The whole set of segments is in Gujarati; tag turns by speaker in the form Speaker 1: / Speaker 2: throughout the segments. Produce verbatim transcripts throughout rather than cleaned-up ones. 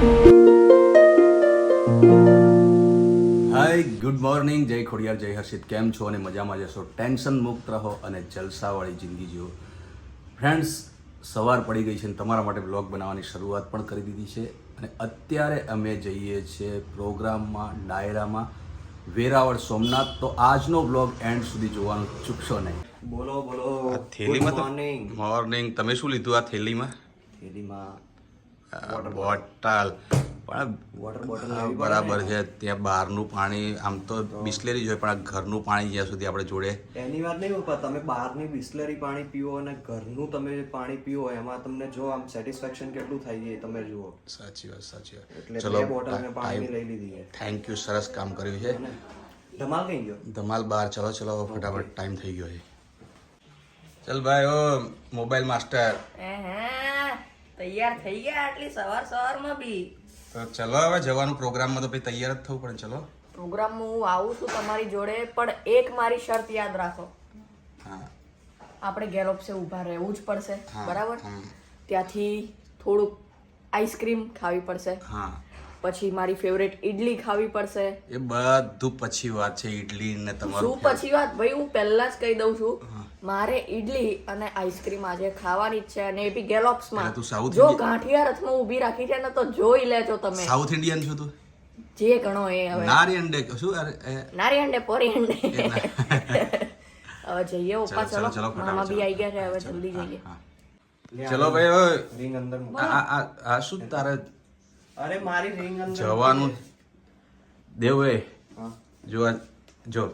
Speaker 1: હાય, ગુડ મોર્નિંગ, જય ખોડિયાર, જય હર્ષિત. કેમ છો અને મજામાં જશો? ટેન્શન મુક્ત રહો અને જલસાવાળી જિંદગી જીવો. ફ્રેન્ડ્સ, સવાર પડી ગઈ છે અને તમારા માટે બ્લોગ બનાવવાની શરૂઆત પણ કરી દીધી છે. અને અત્યારે અમે જઈએ છીએ પ્રોગ્રામમાં, ડાયરામાં, વેરાવળ સોમનાથ. તો આજનો બ્લોગ એન્ડ સુધી જોવાનું ચૂકશો નહીં.
Speaker 2: બોલો બોલો.
Speaker 1: થેલીમાં તો
Speaker 2: મોર્નિંગ.
Speaker 1: મોર્નિંગ. તમે શું લીધું આ થેલીમાં?
Speaker 2: થેલીમાં
Speaker 1: બોટલ. પણ
Speaker 2: વોટર બોટલ
Speaker 1: હા, બરાબર છે. ત્યાં બહારનું પાણી આમ તો બિસ્લેરી જ હોય, પણ આ ઘરનું પાણી જ્યાં સુધી આપણે જોડે.
Speaker 2: એની વાત નહીં ઉપર તમે બહારની બિસ્લરી પાણી પીવો અને ઘરનું તમે પાણી પીવો એમાં તમને જો આમ સેટિસ્ફેક્શન કેટલું થાય એ તમે જુઓ.
Speaker 1: સાચી વાત, સાચી વાત.
Speaker 2: એટલે
Speaker 1: ચલો,
Speaker 2: બે બોટલ મેં પાણીની લઈ લીધી છે.
Speaker 1: થેન્ક યુ, સરસ કામ કર્યું છે.
Speaker 2: ધમાલ કઈ ગયો?
Speaker 1: ધમાલ બાર. ચલો ચલો, ફટાફટ ટાઈમ થઈ ગયો છે. ચલ ભાઈ, ઓ મોબાઈલ માસ્ટર.
Speaker 3: હે તૈયાર થઈ ગયા આટલી સવાર સવારમાં બી?
Speaker 1: તો ચલો હવે જવાનું પ્રોગ્રામમાં, તો પછી તૈયાર જ થવું પડે. ચલો
Speaker 3: પ્રોગ્રામમાં હું આવું છું તમારી જોડે, પણ એક મારી શરત યાદ રાખો.
Speaker 1: હા,
Speaker 3: આપણે ગેલોપ્સે ઊભા રહેવું જ પડશે,
Speaker 1: હા,
Speaker 3: બરાબર?
Speaker 1: હમ.
Speaker 3: ત્યાંથી થોડુંક આઈસ્ક્રીમ ખાવી પડશે,
Speaker 1: હા,
Speaker 3: પછી મારી ફેવરેટ ઈડલી ખાવી પડશે.
Speaker 1: એ બધું પછી વાત છે. ઈડલી ને
Speaker 3: શું
Speaker 1: તમારું
Speaker 3: પછી વાત ભાઈ? હું પહેલા જ કહી દઉં છું, મારે ઈડલી અને આઈસ્ક્રીમ આજે ખાવાની જ છે, અને એ બી ગેલોપ્સમાં.
Speaker 1: એટલે તું સાઉથ
Speaker 3: જો
Speaker 1: ઇન્ડિયન-
Speaker 3: ગાંઠિયા રથમાં ઊભી રાખી છે ને, તો જોઈ લેજો તમે.
Speaker 1: સાઉથ ઇન્ડિયન છું તું?
Speaker 3: જે ગણો એ હવે
Speaker 1: નારી અંડે શું? અરે એ,
Speaker 3: નારી અંડે પોરી અંડે.
Speaker 1: એ ના.
Speaker 3: હવે જઈએ ઉપા,
Speaker 1: ચલો,
Speaker 3: ચલો
Speaker 1: ચલો,
Speaker 3: મામા બી
Speaker 1: ફટાફટ
Speaker 3: આવી ગયા છે, હવે
Speaker 1: ચલો.
Speaker 3: જલ્દી
Speaker 1: હા,
Speaker 3: જઈએ.
Speaker 1: હા. ચલો ભાઈ, ઓય.
Speaker 2: રિંગ અંદર મૂકો.
Speaker 1: આ આ- આ આ શું તારે
Speaker 2: અરે મારી રિંગ અંદર
Speaker 1: જવાનું? દેવ એ
Speaker 2: હા.
Speaker 1: જો આ- જો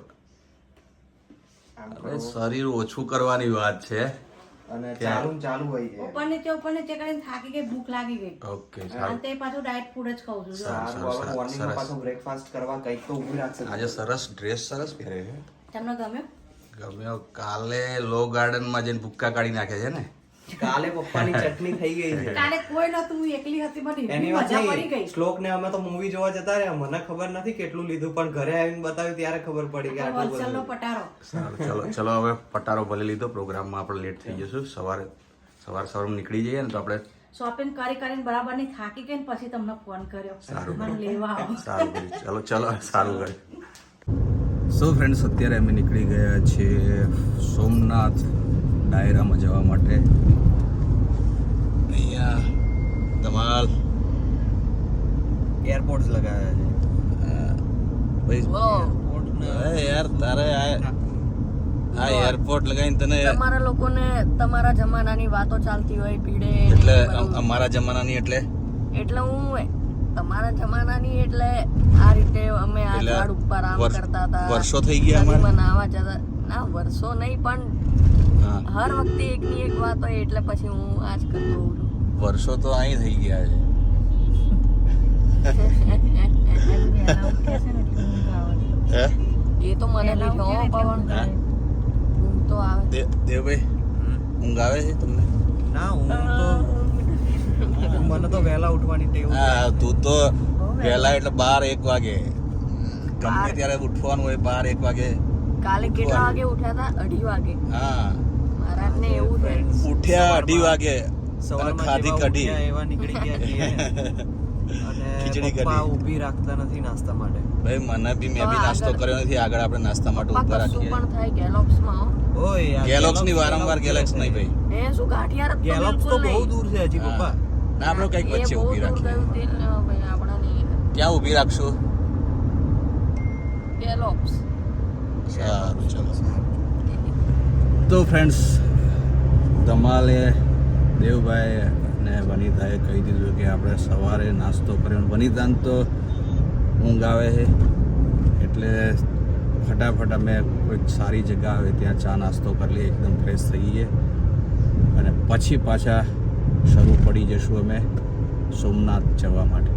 Speaker 2: આમ
Speaker 1: અરે
Speaker 2: કરો.
Speaker 1: શરીર ઓછું કરવાની વાત છે.
Speaker 2: અને ચાલુ ને ચાલુ હોય છે.
Speaker 4: ઉપરને તે ઉપરને તે કરીને થાકી ગઈ, ભૂખ લાગી ગઈ.
Speaker 1: ઓકે,
Speaker 4: અને
Speaker 1: સારું.
Speaker 4: તે પાછું ડાયટ ફૂડ જ ખાઉં છું જો.
Speaker 1: સારું.
Speaker 2: સારું, હવે
Speaker 1: સરસ,
Speaker 2: મોર્નિંગમાં
Speaker 1: સરસ.
Speaker 2: પાછું બ્રેકફાસ્ટ કરવા કંઈક તો ઊભી રાખશે.
Speaker 1: આજે સરસ ડ્રેસ સરસ પહેરે છે.
Speaker 4: તમને ગમ્યો?
Speaker 1: ગમ્યો. કાલે લો ગાર્ડનમાં જઈને ભૂક્કા કાઢી નાખે છે ને.
Speaker 2: કાલે પપ્પાની ચટણી થઈ ગઈ છે.
Speaker 4: કાલે કોઈ નતું, હું એકલી હતી, મને
Speaker 2: એની
Speaker 4: એટલી
Speaker 2: વાત
Speaker 4: મજા પડી
Speaker 2: નહીં.
Speaker 4: ગઈ.
Speaker 2: શ્લોક ને અમે તો મૂવી જોવા જતા રહ્યા, મને ખબર નથી કેટલું લીધું, પણ ઘરે આવીને બતાવ્યું ત્યારે ખબર પડી કે આટલું
Speaker 4: વલસાડનો
Speaker 2: બધું.
Speaker 4: પટારો.
Speaker 1: સારું, ચલો ચલો હવે પટારો ભલે લીધો. પ્રોગ્રામમાં આપણે લેટ થઈ જશું. સવારે સવાર સવારમાં નીકળી જઈએ ને તો આપણે
Speaker 4: શોપિંગ કરી કરીને બરાબર ની થાકી ગઈ ને પછી તમને ફોન કર્યો
Speaker 1: સારું.
Speaker 4: મને લેવા આવો.
Speaker 1: સારું કર્યું. ચલો ચલો, સારું કર્યું. સો ફ્રેન્ડ્સ, અત્યારે અમે નીકળી ગયા છીએ સોમનાથ ડાયરામાં જવા માટે. અહીંયા ધમાલ
Speaker 2: એરપોર્ટ્સ લગાવ્યા છે.
Speaker 1: અરે યાર, તારે આ આ એરપોર્ટ લગાવીને તને
Speaker 3: તમારા લોકોને તમારા જમાનાની વાતો ચાલતી હોય ભીડે,
Speaker 1: એટલે
Speaker 3: ને બધું.
Speaker 1: અમારા જમાનાની એટલે
Speaker 3: એટલે હું તમારા જમાનાની એટલે આ રીતે અમે આ
Speaker 1: એટલે
Speaker 3: ઝાડ ઉપર આમ
Speaker 1: વર્ષ-
Speaker 3: કરતા હતા,
Speaker 1: વર્ષો થઈ ગયા અમારે?
Speaker 3: નદીમાં નાહવા જતા. ના, વર્ષો નહીં, પણ
Speaker 1: હા,
Speaker 3: હર વખતે એકની એક વાત હોય, એટલે પછી હું આજ કરતો હોઉં છું.
Speaker 1: વર્ષો તો અહીં થઈ ગયા છે. હે
Speaker 3: એ તો મને લીધો હો પવન.
Speaker 1: હા?
Speaker 3: ઊંઘ તો આવે.
Speaker 1: દે- દેવભાઈ, ઊંઘ આવે છે તમને?
Speaker 2: ના, હું તો મને તો વહેલા ઉઠવાની ટેવ છે.
Speaker 1: હા, તું તો વહેલા એટલે બાર એક વાગે ગમે ત્યારે ઉઠવાનું હોય. બાર એક વાગે.
Speaker 3: કાલે કેટલા વાગે ઉઠ્યા હતા? અઢી વાગે.
Speaker 1: હા,
Speaker 3: મહારાજને એવું છે.
Speaker 1: ઉઠ્યા અઢી વાગે.
Speaker 2: સવારમાં
Speaker 1: ખાધી
Speaker 2: જેવા
Speaker 1: કઢી.
Speaker 2: ઉઠ્યા એવા નીકળી ગયા છીએ. અને
Speaker 1: ખીચડી
Speaker 2: પપ્પા
Speaker 1: કઢી.
Speaker 2: ઊભી રાખતા નથી નાસ્તા માટે.
Speaker 1: ભાઈ મને બી મેં બી
Speaker 3: તો
Speaker 1: નાસ્તો
Speaker 3: આગળ-
Speaker 1: કર્યો નથી. આગળ આપણે નાસ્તા માટે
Speaker 3: પપ્પા
Speaker 1: ઉભા
Speaker 3: કશું
Speaker 1: રાખીએ.
Speaker 3: પણ થાય ગેલોપ્સમાં હો.
Speaker 2: ઓય, આ
Speaker 1: ગેલોક્સ ની
Speaker 2: ગેલોક્સ
Speaker 1: વારંવાર ગેલેક્સ નહીં ભાઈ.
Speaker 3: એ શું ગાંઠિયા રથ તો
Speaker 2: ગેલોક્સ તો
Speaker 3: બિલકુલ
Speaker 2: બહુ
Speaker 3: નહીં.
Speaker 2: દૂર છે હજી
Speaker 1: હા.
Speaker 2: પપ્પા.
Speaker 1: ના, આપણે કઈક
Speaker 3: એ
Speaker 1: વચ્ચે
Speaker 3: બહુ
Speaker 1: ઊભી
Speaker 3: દૂર
Speaker 1: રાખીએ.
Speaker 3: ગયું તે, અ, ભાઈ આપણા નહીં.
Speaker 1: ક્યાં ઊભી રાખશું?
Speaker 3: ગેલોપ્સ.
Speaker 1: સારું, ચલો. તો ફ્રેન્ડ્સ, ધમાલે દેવભાઈ અને વનિતાએ કહી દીધું કે આપણે સવારે નાસ્તો કર્યો. વનિતાને તો ઊંઘ આવે છે, એટલે ફટાફટ અમે કોઈક સારી જગ્યા આવે ત્યાં ચા નાસ્તો કરી લઈએ, એકદમ ફ્રેશ થઈ જઈએ, અને પછી પાછા શરૂ પડી જશું અમે સોમનાથ જવા માટે.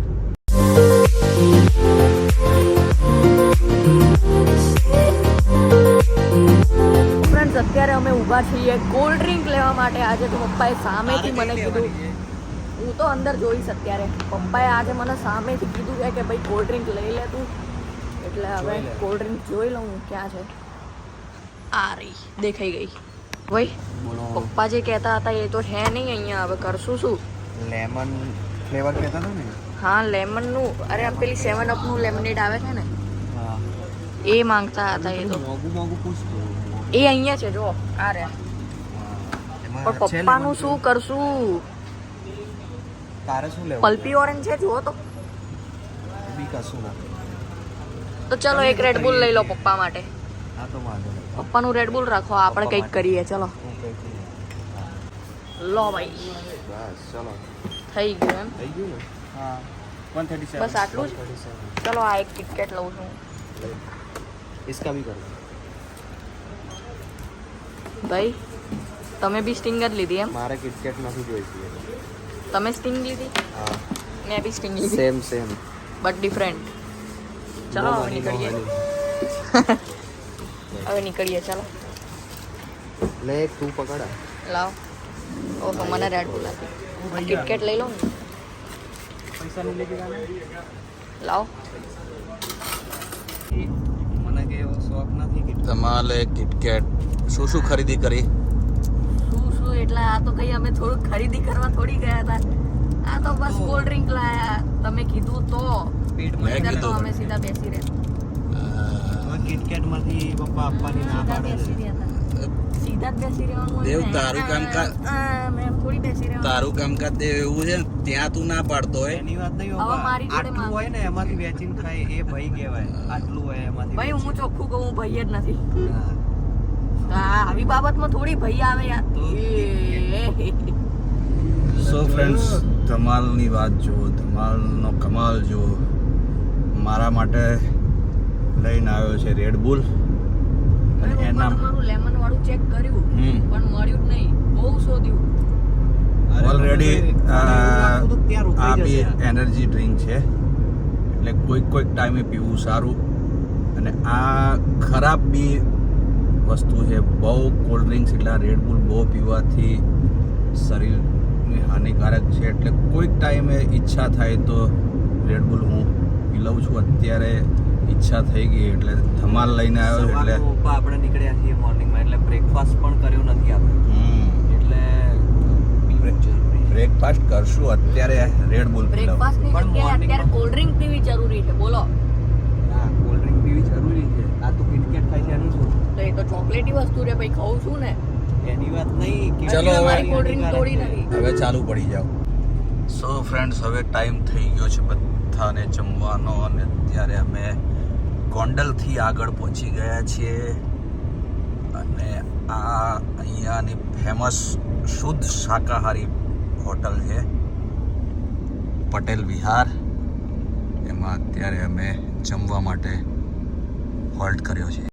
Speaker 3: ફ્રેન્ડ્સ, અત્યારે અમે ઊભા છીએ કોલ્ડ ડ્રિંક લેવા માટે. આજે તો પપ્પાએ સામેથી મને કીધું, હું તો અંદર જોઈશ અત્યારે. પપ્પાએ આજે મને સામેથી કીધું છે કે ભાઈ કોલ્ડ ડ્રિંક લઈ લે તું. એટલે હવે કોલ્ડ ડ્રિંક જોઈ લઉં હું ક્યાં છે. આ રહી, દેખાઈ ગઈ. ભાઈ
Speaker 2: બોલો.
Speaker 3: પપ્પા જે કહેતા હતા એ તો છે નહીં અહીંયા. હવે કરશું શું?
Speaker 2: લેમન ફ્લેવર કહેતા હતા ને?
Speaker 3: હા લેમનનું, અરે આ પેલી સેવન અપનું લેમનેડ આવે છે ને
Speaker 2: હા.
Speaker 3: એ માંગતા હતા એ તો.
Speaker 2: મોંઘું મોંઘું પૂછતું.
Speaker 3: એ અહીંયા છે જો આ રે.
Speaker 2: એમાં
Speaker 3: પણ
Speaker 2: છે
Speaker 3: પપ્પાનું
Speaker 2: lemon
Speaker 3: શું કરશું?
Speaker 2: તારે શું લેવું?
Speaker 3: પલ્પી ઓરેન્જ છે જુઓ તો.
Speaker 2: બી કશું ના.
Speaker 3: તો ચલો એક રેડબુલ લઈ લો પપ્પા માટે.
Speaker 2: હા તો વાંધો નહીં.
Speaker 3: પપ્પાનું રેડબુલ રાખો, આપણે કંઈક કરીએ. ચલો
Speaker 2: હું કંઈક નહીં.
Speaker 3: લો ભાઈ,
Speaker 2: બસ ચલો.
Speaker 3: થઈ ગયું એમ.
Speaker 2: થઈ ગયું ને? હા. one thirty-seven.
Speaker 3: બસ આટલું જ. ચલો આ એક કિટકેટ લઉં છું.
Speaker 2: इसका भी कर दो.
Speaker 3: ભાઈ તમે બી સ્ટિંગ જ લીધી એમ?
Speaker 2: મારે કિટકેટ નથી જોઈતી.
Speaker 3: તમે સ્ટિંગ લીધી,
Speaker 2: હા.
Speaker 3: મેં બી સ્ટિંગ લીધી,
Speaker 2: સેમ સેમ.
Speaker 3: But different. ચલો હવે નીકળીએ. હવે નીકળીએ ચાલો.
Speaker 2: લે એક તું પકડા.
Speaker 3: લાવ. ઓહો મને રેડ બુલ આપી. આ કિટકેટ લઈ લો ને.
Speaker 2: પૈસા નહીં લેકે જાના.
Speaker 3: લાવ.
Speaker 2: મને કે એવો શોખ નથી કે
Speaker 1: તમારે કિટકેટ શું શું ખરીદી કરી?
Speaker 3: શું શું એટલે આ તો કઈ અમે થોડુંક ખરીદી કરવા થોડી ગયા હતા. આ તો બસ કોલ્ડ ડ્રિંક લાયા. તમે કીધું તો
Speaker 2: પેટમાં
Speaker 1: મેં
Speaker 3: નહીંતર તો
Speaker 1: કીધું.
Speaker 3: અમે સીધા બેસી રહ્યા.
Speaker 2: હવે કિટકેટ માંથી પપ્પા આપવાની ના
Speaker 3: સીધા
Speaker 2: પાડે
Speaker 3: બેસી
Speaker 2: છે.
Speaker 3: રહ્યા હતા. સીધા જ બેસી રહેવાનું હોય
Speaker 1: દેવ,
Speaker 3: ને.
Speaker 1: તારું કામકાજ-
Speaker 3: આ, મેં થોડી બેસી રહેવાનું.
Speaker 1: તારું કામકાજ તે એવું છે ને, ત્યાં તું ના પાડતો હોય.
Speaker 2: એની વાત નહીં
Speaker 3: હવે
Speaker 2: પપ્પા.
Speaker 3: મારી જોડે
Speaker 2: આટલું
Speaker 3: માંગ.
Speaker 2: હોય ને એમાંથી વેચીને ખાય એ ભાઈ કહેવાય. આટલું હોય એમાંથી
Speaker 3: ભાઈ હું ચોખ્ખું કહું, હું ભાઈ જ નથી.
Speaker 2: હા.
Speaker 3: હા આવી બાબતમાં થોડી ભાઈ આવે યાર.
Speaker 2: તો
Speaker 3: એ.
Speaker 1: સો ફ્રેન્ડ્સ, ધમાલની વાત જુઓ, ધમાલનો કમાલ જુઓ. મારા માટે લઈને આવ્યો છે રેડ બુલ. અને
Speaker 3: મેં
Speaker 1: એના
Speaker 3: તમારું લેમન વાળું ચેક કર્યું
Speaker 1: હમ
Speaker 3: પણ મળ્યું જ નહીં. બહુ શોધ્યું.
Speaker 1: ઓલરેડી
Speaker 2: લાગતું હતું ત્યાં
Speaker 1: આ
Speaker 2: રોકાઈ
Speaker 1: બી
Speaker 2: જશે.
Speaker 1: એનર્જી ડ્રિંક છે, એટલે કોઈક કોઈક ટાઈમે પીવું સારું. અને આ ખરાબ બી વસ્તુ છે. બહુ કોલ્ડ ડ્રિંક્સ એટલે રેડ બુલ બહુ પીવાથી શરીરને હાનિકારક છે. એટલે કોઈક ટાઈમે ઈચ્છા થાય તો રેડ બુલ હું પી લઉં છું. અત્યારે ઈચ્છા થઈ ગઈ એટલે ધમાલ લઈને આવ્યો છું. એટલે
Speaker 2: સવારનું પપ્પા આપણે નીકળ્યા છીએ મોર્નિંગમાં એટલે બ્રેકફાસ્ટ પણ કર્યો નથી આપણે.
Speaker 1: હમ
Speaker 2: એટલે પીવું જરૂરી છે.
Speaker 1: બ્રેકફાસ્ટ કરશું, અત્યારે રેડ બુલ પી લઉં.
Speaker 3: બ્રેકફાસ્ટની
Speaker 2: પણ
Speaker 3: જગ્યાએ
Speaker 2: morning
Speaker 3: અત્યારે
Speaker 2: માં-
Speaker 3: કોલ્ડ ડ્રિંક પીવી જરૂરી છે. બોલો
Speaker 2: હા કોલ્ડ ડ્રિંક પીવી જરૂરી છે. આ તો કિટકેટ ખાય છે એનું શું?
Speaker 3: તો એ તો ચોકલેટી વસ્તુ રે ભાઈ, ખાઉં છું ને.
Speaker 2: એની વાત નહીં.
Speaker 1: ચલો
Speaker 3: એટલે
Speaker 1: હવે.
Speaker 3: મારી કોલ્ડ ડ્રિંક તોડી નથી.
Speaker 1: હવે ચાલુ પડી જાઓ. સો ફ્રેન્ડ્સ, હવે ટાઈમ થઈ ગયો છે બધાને જમવાનો. અને અત્યારે અમે ગોંડલથી આગળ પહોંચી ગયા છીએ. અને આ અહીંયાની ફેમસ શુદ્ધ શાકાહારી હોટલ છે પટેલ વિહાર. એમાં અત્યારે અમે જમવા માટે હોલ્ટ કર્યો છે.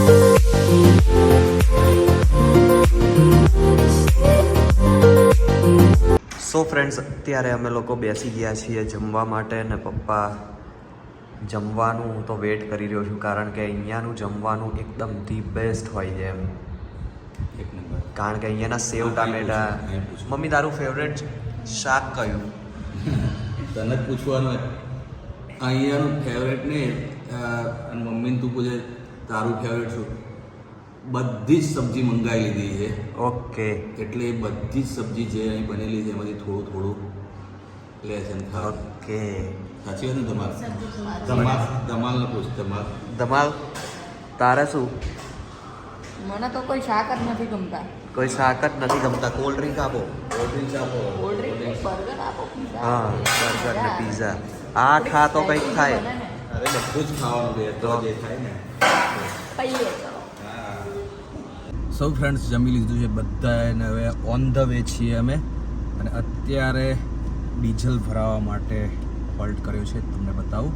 Speaker 2: સો ફ્રેન્ડ્સ, અત્યારે અમે લોકો બેસી ગયા છીએ જમવા માટે ને પપ્પા જમવાનું હું તો વેટ કરી રહ્યો છું કારણ કે અહીંયાનું જમવાનું એકદમ ધી બેસ્ટ હોય છે એમ.
Speaker 1: એક નંબર.
Speaker 2: કારણ કે અહીંયાના સેવ ટામેટા. મમ્મી તારું ફેવરેટ શાક કયું?
Speaker 1: તને જ પૂછવાનું હોય. અહીંયાનું ફેવરેટ ને અને મમ્મીને તું પૂછે તારું ફેવરેટ શું? બધી જ સબ્જી મંગાવી લીધી છે.
Speaker 2: ઓકે.
Speaker 1: એટલે એ બધી જ સબ્જી જે અહીં બનેલી છે એમાંથી થોડું થોડું લે છે ને ખાવ.
Speaker 2: ઓકે.
Speaker 1: સાચી વાત ને તમારે? ધમાલ ધમાલને પૂછ ધમાલ.
Speaker 2: ધમાલ તારે શું?
Speaker 3: મને તો કોઈ શાક જ નથી ગમતા.
Speaker 2: કોઈ શાક જ નથી ગમતા. કોલ્ડ ડ્રિંક આપો.
Speaker 1: કોલ્ડ ડ્રિંક્સ આપો.
Speaker 3: કોલ્ડ ડ્રિંક, બર્ગર આપો, pizza
Speaker 2: હા
Speaker 3: આપો.
Speaker 2: બર્ગર ને પીઝા. આ ખા તો કંઈક થાય.
Speaker 3: બને ને.
Speaker 1: અરે બધું જ ખાવાનું છે તો જે થાય ને.
Speaker 3: ખાઈએ ચલો.
Speaker 1: સૌ ફ્રેન્ડ્સ જમી લીધું છે બધાને. હવે ઓન ધ વે છીએ અમે. અને અત્યારે ડીઝલ ભરાવવા માટે હોલ્ટ કર્યો છે. તમને બતાવું.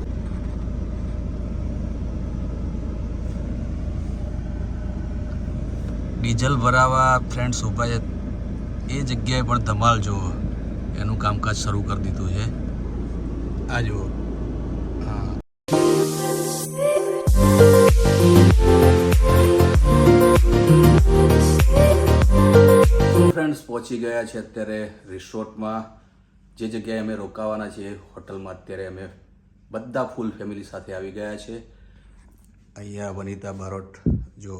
Speaker 1: ડીઝલ ભરાવા ફ્રેન્ડ્સ ઊભા છે. એ જગ્યાએ પણ ધમાલ જુઓ એનું કામકાજ શરૂ કરી દીધું છે. આ જુઓ. હા ફ્રેન્ડ્સ પહોંચી ગયા છે અત્યારે રિસોર્ટમાં. જે જગ્યાએ અમે રોકાવાના છીએ હોટલમાં અત્યારે અમે બધા ફૂલ ફેમિલી સાથે આવી ગયા છે. અહીંયા વનિતા બારોટ જો.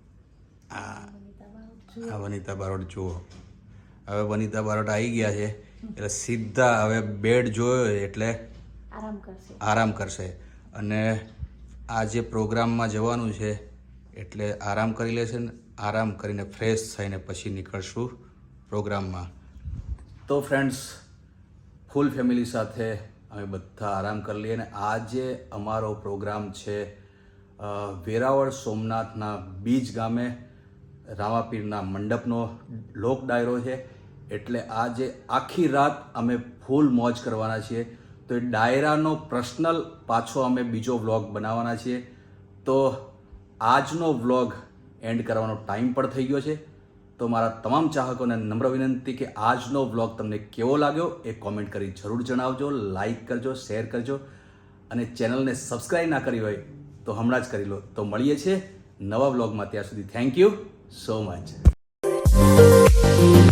Speaker 1: આ આ વનિતા બારોટ જુઓ. હવે વનિતા બારોટ આવી ગયા છે. એટલે સીધા હવે બેડ જોયો એટલે
Speaker 4: આરામ કરશે
Speaker 1: આરામ કરશે અને આ જે પ્રોગ્રામમાં જવાનું છે એટલે આરામ કરી લેશે ને આરામ કરીને ફ્રેશ થઈને પછી નીકળશું પ્રોગ્રામમાં. તો ફ્રેન્ડ્સ, ફૂલ ફેમિલી સાથે અમે બધા આરામ કરી લઈએ અને આજે અમારો પ્રોગ્રામ છે અ, વેરાવળ સોમનાથના બીજ ગામે રામાપીરના મંડપનો લોક ડાયરો છે. એટલે આજે આખી રાત અમે ફૂલ મોજ કરવાના છીએ. તો એ ડાયરાનો પર્સનલ પાછો અમે બીજો વ્લોગ બનાવવાના છીએ. તો આજનો વ્લોગ એન્ડ કરવાનો ટાઈમ પણ થઈ ગયો છે. તો મારા તમામ ચાહકોને નમ્ર વિનંતી કે આજનો વ્લોગ તમને કેવો લાગ્યો એ કોમેન્ટ કરી જરૂર જણાવજો. લાઈક કરજો, શેર કરજો અને ચેનલને સબસ્ક્રાઈબ ના કરી હોય તો હમણાં જ કરી લો. તો મળીએ છીએ નવા વ્લોગમાં. ત્યાં સુધી થેન્ક યુ સો મચ.